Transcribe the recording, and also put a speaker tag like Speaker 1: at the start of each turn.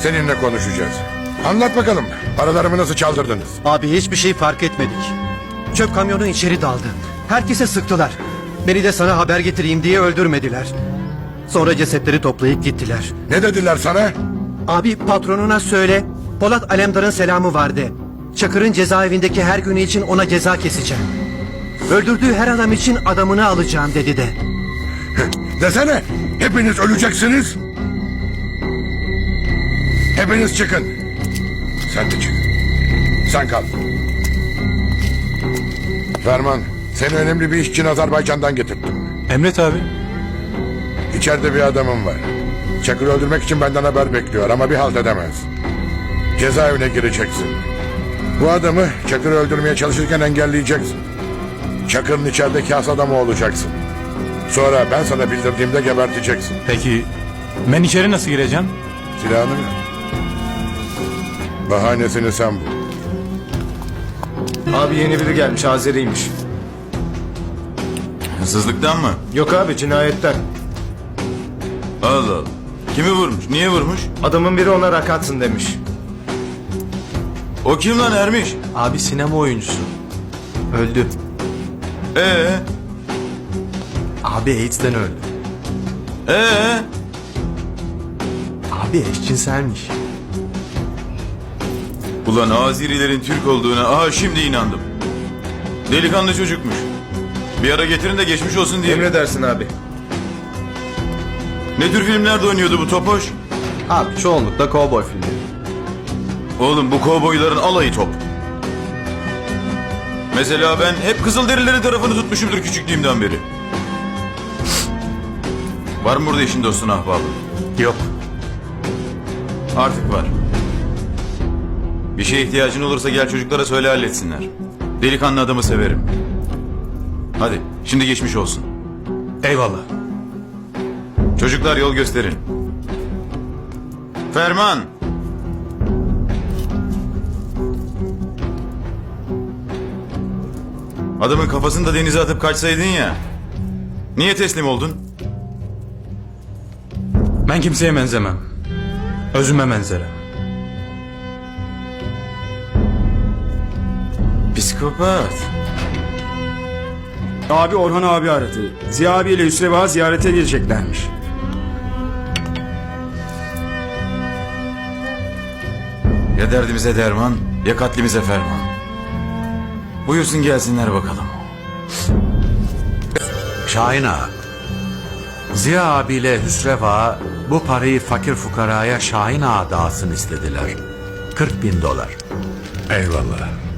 Speaker 1: seninle konuşacağız. Anlat bakalım, paralarımı nasıl çaldırdınız?
Speaker 2: Abi hiçbir şey fark etmedik. Çöp kamyonu içeri daldı. Herkese sıktılar. Beni de sana haber getireyim diye öldürmediler. Sonra cesetleri toplayıp gittiler.
Speaker 1: Ne dediler sana?
Speaker 2: Abi patronuna söyle, Polat Alemdar'ın selamı vardı. Çakır'ın cezaevindeki her günü için ona ceza keseceğim. Öldürdüğü her adam için adamını alacağım dedi de.
Speaker 1: Desene, hepiniz öleceksiniz. Hepiniz çıkın. Sen de çık. Sen kal. Ferman, seni önemli bir iş için Azerbaycan'dan getirdim.
Speaker 3: Emret abi.
Speaker 1: İçeride bir adamım var. Çakır'ı öldürmek için benden haber bekliyor ama bir halt edemez. Cezaevine gireceksin. Bu adamı Çakır'ı öldürmeye çalışırken engelleyeceksin. Çakır'ın içerideki has adamı olacaksın. Sonra ben sana bildirdiğimde geberteceksin.
Speaker 3: Peki ben içeri nasıl gireceğim?
Speaker 1: Silahını ver. Bahanesini sen bul.
Speaker 4: Abi yeni biri gelmiş, Azeriymiş.
Speaker 5: Hırsızlıktan mı?
Speaker 4: Yok abi, cinayetten.
Speaker 5: Allah Allah. Kimi vurmuş? Niye vurmuş?
Speaker 4: Adamın biri ona rak atsın demiş.
Speaker 5: O kim lan Ermiş?
Speaker 6: Abi sinema oyuncusu. Öldü. Abi AIDS'den öldü. Abi eşcinselmiş.
Speaker 5: Ulan Azerilerin Türk olduğuna şimdi inandım. Delikanlı çocukmuş. Bir ara getirin de geçmiş olsun diye.
Speaker 4: Emredersin abi.
Speaker 5: Ne tür filmlerde oynuyordu bu topoş?
Speaker 6: Abi çoğunlukla kovboy filmleri.
Speaker 5: Oğlum bu kovboyların alayı top. Mesela ben hep Kızılderililerin tarafını tutmuşumdur küçüklüğümden beri. Var mı burada eşin dostun ahbabı?
Speaker 3: Yok.
Speaker 5: Artık var. Bir şeye ihtiyacın olursa gel çocuklara söyle halletsinler. Delikanlı adamı severim. Hadi şimdi geçmiş olsun.
Speaker 3: Eyvallah.
Speaker 5: Çocuklar yol gösterin. Ferman. Adamın kafasını da denize atıp kaçsaydın ya. Niye teslim oldun?
Speaker 3: Ben kimseye benzemem. Özüme benzerem.
Speaker 5: Psikopat.
Speaker 7: Abi Orhan abi aradı. Ziya abiyle Hüsrev ağa ziyarete geleceklermiş.
Speaker 5: Ya derdimize derman, ya katlimize ferman. Buyursun gelsinler bakalım.
Speaker 8: Şahin Ağa, Ziya abiyle Hüsrev Ağa bu parayı fakir fukaraya Şahin Ağa dağıtsın istediler. $40.000.
Speaker 1: Eyvallah.